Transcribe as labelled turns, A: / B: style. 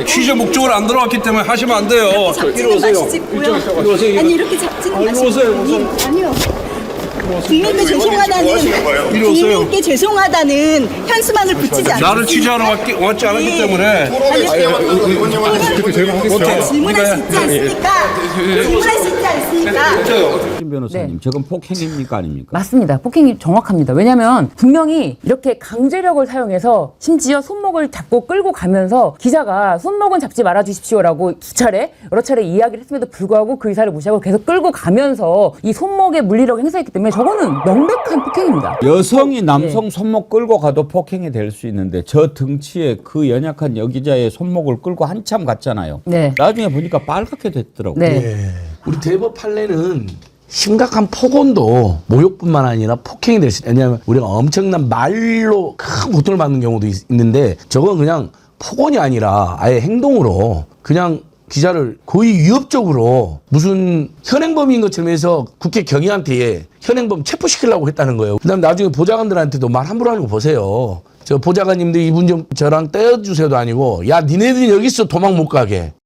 A: 취재 목적으로 안 들어왔기 때문에 하시면 안 돼요.
B: 잡지는 마시고요. 아니 이렇게 잡지는 마시고요. 아니요. 국민께 국민께 죄송하다는 현수막을 붙이지 않습니다.
A: 나를 취재하러 왔지 않았기 때문에.
B: 질문할 수 있지 않습니까? 질문할 수 있지 않습니까?
C: 김 변호사님, 저건 폭행입니까 아닙니까?
D: 맞습니다. 폭행이 정확합니다. 왜냐하면 분명히 이렇게 강제력을 사용해서 심지어 손목을 잡고 끌고 가면서 기자가 손목은 잡지 말아주십시오라고 여러 차례 이야기를 했음에도 불구하고 그 의사를 무시하고 계속 끌고 가면서 이 손목에 물리력을 행사했기 때문에 저거는 명백한 폭행입니다.
C: 여성이 남성 손목 끌고 가도 폭행이 될 수 있는데 저 등치에 그 연약한 여기자의 손목을 끌고 한참 갔잖아요.
D: 네.
C: 나중에 보니까 빨갛게 됐더라고요.
D: 네.
E: 우리 대법 판례는 심각한 폭언도 모욕뿐만 아니라 폭행이 될 수 있다. 왜냐하면 우리가 엄청난 말로 큰 고통을 받는 경우도 있는데 저건 그냥 폭언이 아니라 아예 행동으로 그냥 기자를 거의 위협적으로 무슨 현행범인 것처럼 해서 국회 경위한테 현행범 체포시키려고 했다는 거예요. 그다음에 나중에 보좌관들한테도 말 함부로 하는 거 보세요. 저 보좌관님들 이분 좀 저랑 떼어주세요도 아니고 야 니네들이 여기 있어 도망 못 가게.